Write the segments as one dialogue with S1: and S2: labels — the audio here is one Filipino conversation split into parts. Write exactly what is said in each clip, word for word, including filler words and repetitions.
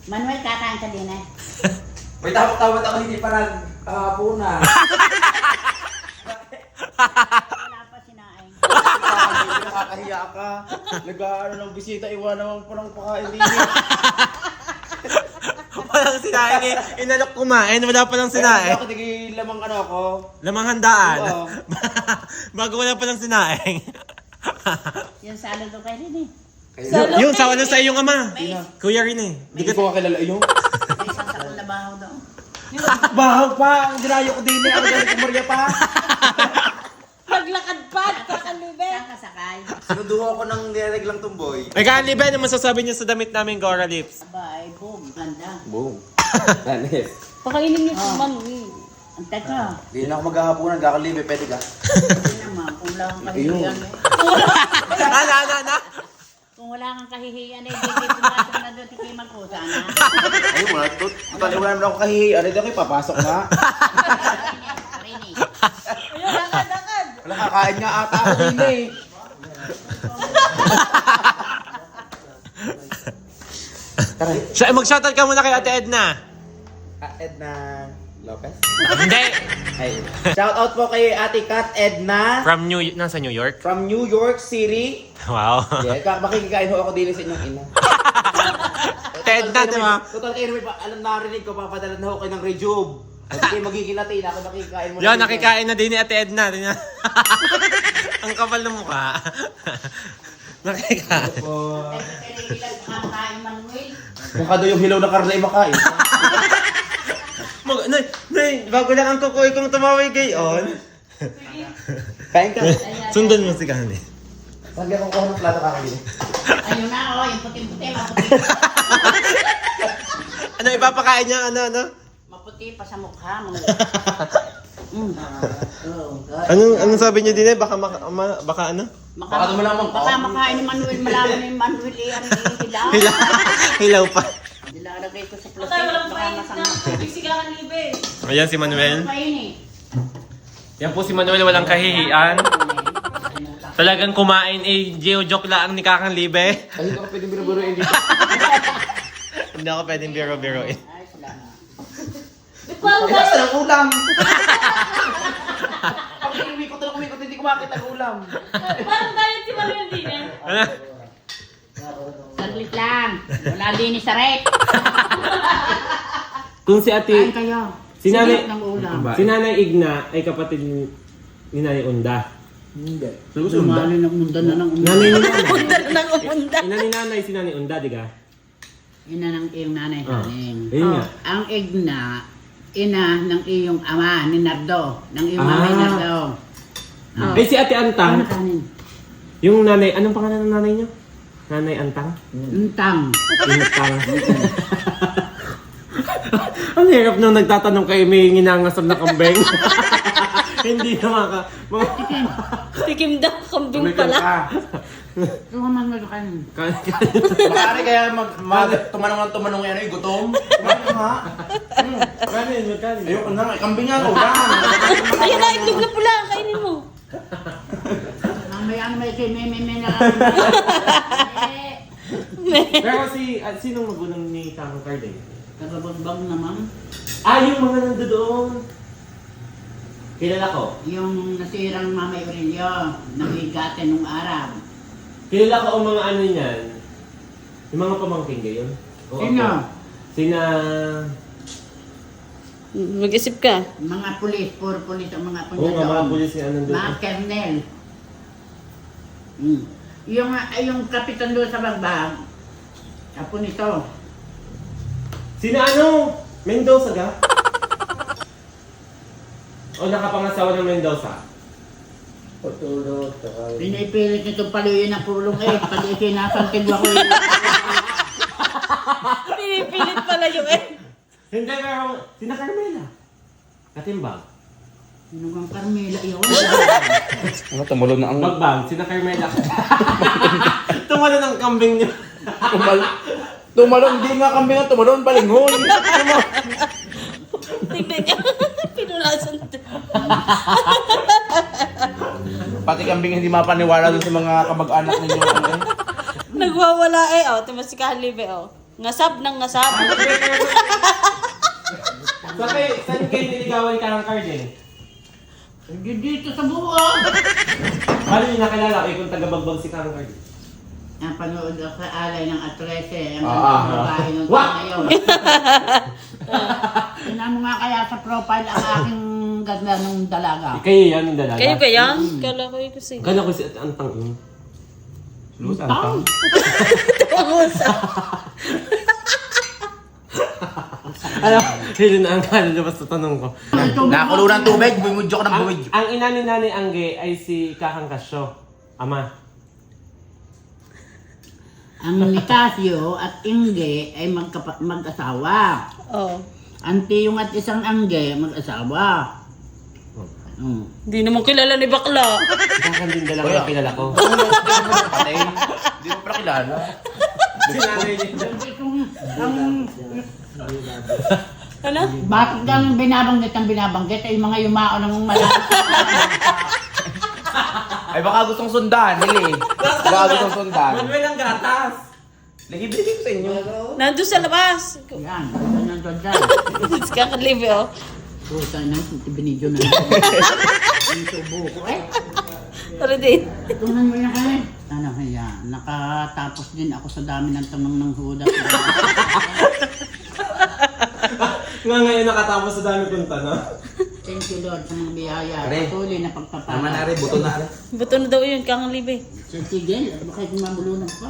S1: Manuel, kakain ka din eh.
S2: May tawag-tawag ako hindi pa nag-puna.
S1: Wala pa sinaing.
S2: Nakakahiya ka. Nag-ano ng bisita, iwanan mo pa ng pakain din.
S3: Walang sinaing eh. Inalok kumain, wala pa lang sinaing.
S2: Bakit naging lamang ano ako?
S3: Lamang handaan.
S2: Oo.
S3: Bago wala pa lang sinaing.
S1: Yung salad ko kayo din eh.
S4: Salo-
S3: Yung sa wala sa iyong ama.
S1: May,
S3: Kuya rin eh.
S2: Hindi ko kakilala yung.
S1: may isang sakol na bahaw daw.
S2: Bahaw pa! Ang dinayo ko din eh. Ang galing ko Maria pa.
S4: Naglakad pa, kakalibe.
S1: Saan ka sakay?
S2: Sinuduho ko ng nireglang tumboy.
S3: May kaalibe, ano masasabi niyo sa damit namin, Gora Lips?
S1: Aba, ay boom, ganda.
S2: Boom. Tanis.
S4: Pakainin niyo si
S1: Oh.
S4: Manuel.
S1: Ang teka,
S2: Hindi na ako maghahapunan. Kakalibe. Pwede ka.
S1: hindi naman, kung wala kang kahihiyan eh.
S3: Ano, ano, ano?
S1: Kung wala kang kahihiyan eh, hindi pumasok na doon, tikay magkusa na.
S2: Ayun mo na. Tali wala naman ako kahihiyan. Ano daw papasok na?
S1: Rini.
S4: Ayun, lakad, lakad.
S2: Wala kakain nga ata ako din eh. Tara.
S3: Siya, mag-shoutout ka muna kay Ate Edna.
S2: Ah, Edna Lopez?
S3: Hindi.
S2: Ay. Shout out po kay Ate Kat Edna
S3: From New, nasa New York?
S2: from New York City.
S3: Wow.
S2: Yeah, ka- makikikain ho ako din sa inyong ina.
S3: Ate Edna, di ba?
S2: Total kayo naman, pa- alam narinig ko, papadala na ho kayo ng rejuve. At kayo magiging Latin, ako nakikain mo.
S3: Yan, nakikain na din ni Ate Edna. Tingnan. Ang kapal ng mukha. Nakikain.
S2: Po.
S1: Kaya ilang kumakain Manuel.
S2: Mukha daw yung hilaw na karne ay makain.
S3: Mag, nay, nay, bago lang ang kukuy kong tumawag gayon.
S2: Kain ka.
S3: Sundan mo si Kani.
S2: Lagi akong kuha ng plato kakabili.
S1: Ayun na, oh, yung puting-puti, maputi.
S3: Ano, ipapakain niya, ano, ano?
S1: Maputi pa sa mukha mo. Mm. Oh, God.
S3: Anong, anong sabi niyo din eh? Baka, maka, ma- baka ano?
S2: Baka dumalamang
S1: Baka
S2: ka.
S1: makain ni Manuel, malaman ni Manuel eh, ang hilaw.
S3: Hilaw, hilaw pa.
S1: Nilalagay ko sa plastic,
S4: Patay, walang
S1: baka
S4: painit
S1: masama.
S4: na. Tubig si kakalibe.
S3: Ayan si Manuel.
S1: Ano pa yun eh?
S3: Yan po si Manuel, walang kahihiyan. Talagang kumain eh, geo-joke lang ni Kakang Libe.
S2: Ay, hindi ako pwedeng biro-biroin dito.
S3: Hindi ako pwedeng biro-biro eh.
S1: Ay, salamat.
S4: Di pa
S2: Ay, nasa ng ulam. Pag umikot na umikot, hindi ko makita ang ulam.
S4: Parang diet si Manuel din eh.
S3: Ano?
S1: Saglit lang. Wala linis sa rep.
S3: Kung si
S1: Kain
S3: ate,
S1: kayo.
S3: Si Nanay-
S1: Silip ng ulam.
S3: si Nanay Igna ay kapatid ni ni Nanay Unda.
S2: Hindi.
S1: Sumali ng mundo na ng ulam.
S3: Nanay ni Nanay.
S4: Unda na ng unda.
S3: Ina ni Nanay si Nanay Unda, di ka?
S1: Ina ng iyong nanay
S3: Ah.
S1: haling.
S3: Ayun nga.
S1: Ang igna, ina ng iyong ama, ni Nardo. Ng iyong
S3: Ah.
S1: mama, ni Nardo. Ah.
S3: Eh si Ate
S1: Ano
S3: Antang,
S1: kanin?
S3: yung nanay, anong pangalan ng nanay niyo? Nanay Antang?
S1: Untang.
S3: Intang. Ang hirap nung nagtatanong kayo may nginangasam na kambing. Hindi na maka... Mga...
S4: Tikim daw, kambing pala.
S1: Ito ka man kanin.
S2: Maaari kaya mag, mag tumanong ng tumanong yan ay gutom. Kumain ka nga.
S3: Kanin, magkanin.
S2: Ayoko na, may kambing nga, ulam.
S4: Ayun na, itlog na pula. Kainin mo.
S1: Mamaya ang may kay Meme Meme na. Eh,
S3: Pero si... Uh, sinong magulang ni Kang Carding?
S1: Nagabagbang naman.
S3: Ah, yung mga nandoon. Kilala ko.
S1: Yung nasirang Mama Aurelio, nabigate nung araw.
S3: Kilala ko ang mga ano niyan. Yung mga pamangking gayon. O
S1: Sino?
S3: ako. Sina...
S4: Mag-isip ka.
S1: Mga pulis, puro pulis ang mga pulis
S3: Oo nga, mga
S1: doon.
S3: pulis yung ano doon.
S1: Mga kernel. Mm. Yung, ay, yung kapitan doon sa bagbag, apo nito.
S3: Sina ano? Mendoza ga? O nakapangasawa ng Mendoza?
S2: Patulog,
S1: Pinipilit nito paluyin ang pulong eh, pag ikinasantig ako eh.
S4: Pinipilit pala yung eh.
S3: Hindi, pero sina Carmela. Katimbang.
S1: Sino kang Carmela yun?
S2: Ano, tumulog na ang...
S3: Magbang, sina Carmela. Tumalo ng kambing niyo.
S2: Tumal... Tumalon, hindi nga kambing ang tumalon, balingon.
S4: Tignan niya. Pinunasan to.
S2: Pati kambing hindi mapaniwala dun sa mga kamag-anak ninyo. Ano, eh.
S4: Nagwawala eh. Oh, tumas si Kalibe oh. Ngasab ng ngasab.
S3: Sa kayo, saan kayo niligawan ni Karang Cardin?
S1: Hindi dito sa buwan.
S3: Paano niyo nakilala kayo kung taga-bagbag si Karang Cardin?
S1: Ang panood ako sa alay ng Atrese. Ang
S2: Ah,
S1: ganda
S2: ah,
S1: ng babae ng
S3: Wah!
S1: ngayon. Tingnan mo nga kaya sa profile ang aking ganda ng dalaga.
S3: Kayo yan, yung dalaga.
S4: Kayo ba yan? Kala ko yung kasi.
S3: Gano'n ko si Antang yun. Luz, Antang. Alam, hindi na ang kalulabas sa tanong ko.
S2: Nakakulo ng tubig, bumudyo ka ng
S3: Ang,
S2: bumudyo.
S3: ang ina ni Nanay Angge ay si Kakang Kasyo. Ama.
S1: Ang Nicasio at Inge ay magkapa- mag-asawa.
S4: Oh.
S1: Ang Tiyong at isang Angge mag-asawa. Mm.
S4: Hindi naman kilala ni bakla.
S3: Kakang din dalawa
S2: Kuya.
S3: yung kilala ko.
S2: Hindi mo pala kilala.
S3: Si Nanay niya.
S4: Ano?
S1: Bakit kang binabanggit ang binabanggit ay mga yumao ng malaki.
S2: Ay baka gustong sundan, Lili. Baka gustong sundan.
S3: Manuel ang gatas.
S2: Nag-ibigay ko sa inyo.
S4: Nandun sa labas.
S1: Yan, ganyan doon dyan.
S4: Si Kakang Libe, oh.
S1: Puta na, binidyo na. Yung subo ko eh.
S4: Tara din.
S1: Tunan mo yan kaya. Ano kaya, nakatapos din ako sa dami ng tanong ng huda.
S3: Nga ngayon nakatapos sa dami kong tanong.
S1: Thank you Lord sa mga biyaya.
S2: Pare.
S1: Patuloy na pagpapala.
S2: Naman na rin, buto na rin.
S4: Buto na daw yun, Kakang Libe.
S1: Sige, bakit mamulunod pa?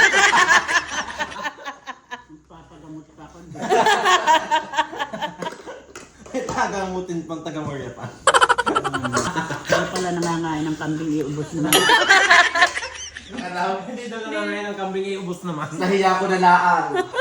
S1: Papagamot pa ako.
S3: Tagamutin pang taga-Moria pa.
S1: Kaya pala nangangain ng kambing iubos naman.
S3: Hindi daw na ngayon ang kambing iubos naman.
S2: Nahiya ko na laan.